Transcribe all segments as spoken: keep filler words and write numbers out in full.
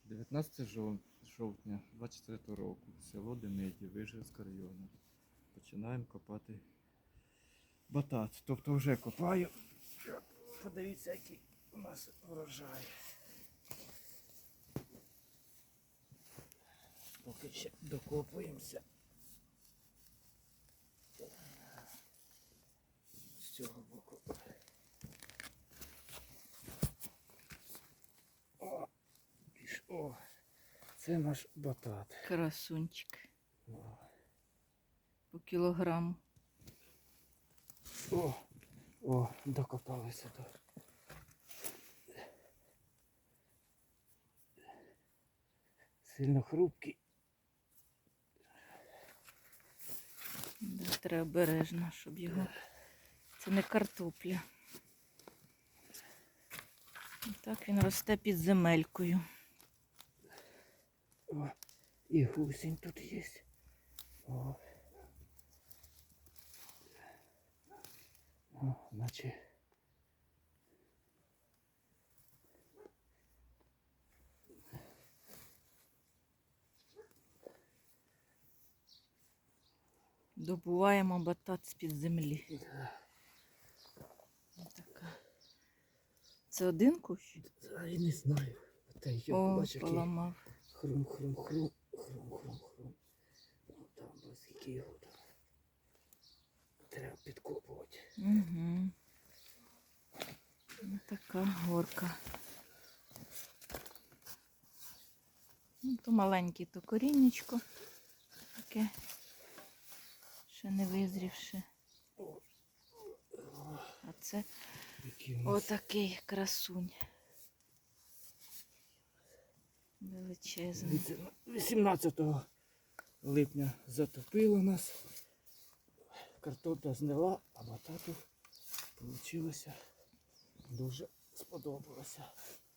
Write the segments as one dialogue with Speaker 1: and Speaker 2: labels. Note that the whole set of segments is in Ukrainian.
Speaker 1: дев'ятнадцяте жовтня двадцять четвертого року, село Демидів, Вижгородського району. Починаємо копати батат. Тобто вже копаю. Подивіться, який у нас врожай. Поки ще докопуємося. З цього боку. О, піш, о, це наш батат.
Speaker 2: Красунчик.
Speaker 1: О,
Speaker 2: По кілограму.
Speaker 1: о, о, докопалися до. Сильно хрупкий.
Speaker 2: Да, треба обережно, щоб його... Це не картопля. Так він росте під земелькою.
Speaker 1: О, і гусінь тут є. О. О, наче.
Speaker 2: Добуваємо батат з-під землі. Така. Це один кущ?
Speaker 1: А я не знаю. Та йо,
Speaker 2: О,
Speaker 1: бачиш, який
Speaker 2: поламав.
Speaker 1: хрум-хрум-хрум, хрум-хрум-хрум. Ну там, ось скільки його там. Треба підкопувати.
Speaker 2: Угу. Ось така горка. Ну, то маленьке, то коріннячко. Таке. Ще не визрівши. А це
Speaker 1: Який у нас
Speaker 2: отакий красунь. Величезний.
Speaker 1: Дивіться, вісімнадцятого липня затопило нас. Картопля знила, а батату вийшло. Дуже сподобалося.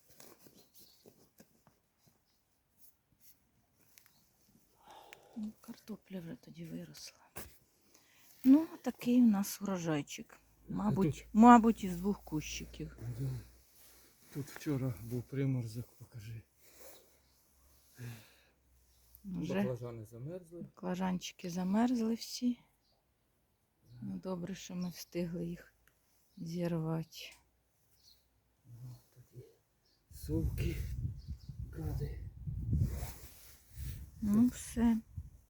Speaker 2: Ну, картопля вже тоді виросла. Ну, такий у нас урожайчик. Мабуть, мабуть, із двох кущиків.
Speaker 1: Тут вчора був приморозок, покажи.
Speaker 2: Вже
Speaker 1: Баклажани замерзли.
Speaker 2: баклажанчики замерзли всі. Ну, добре, що ми встигли їх зірвати.
Speaker 1: Такі совки, гади.
Speaker 2: Ну, все.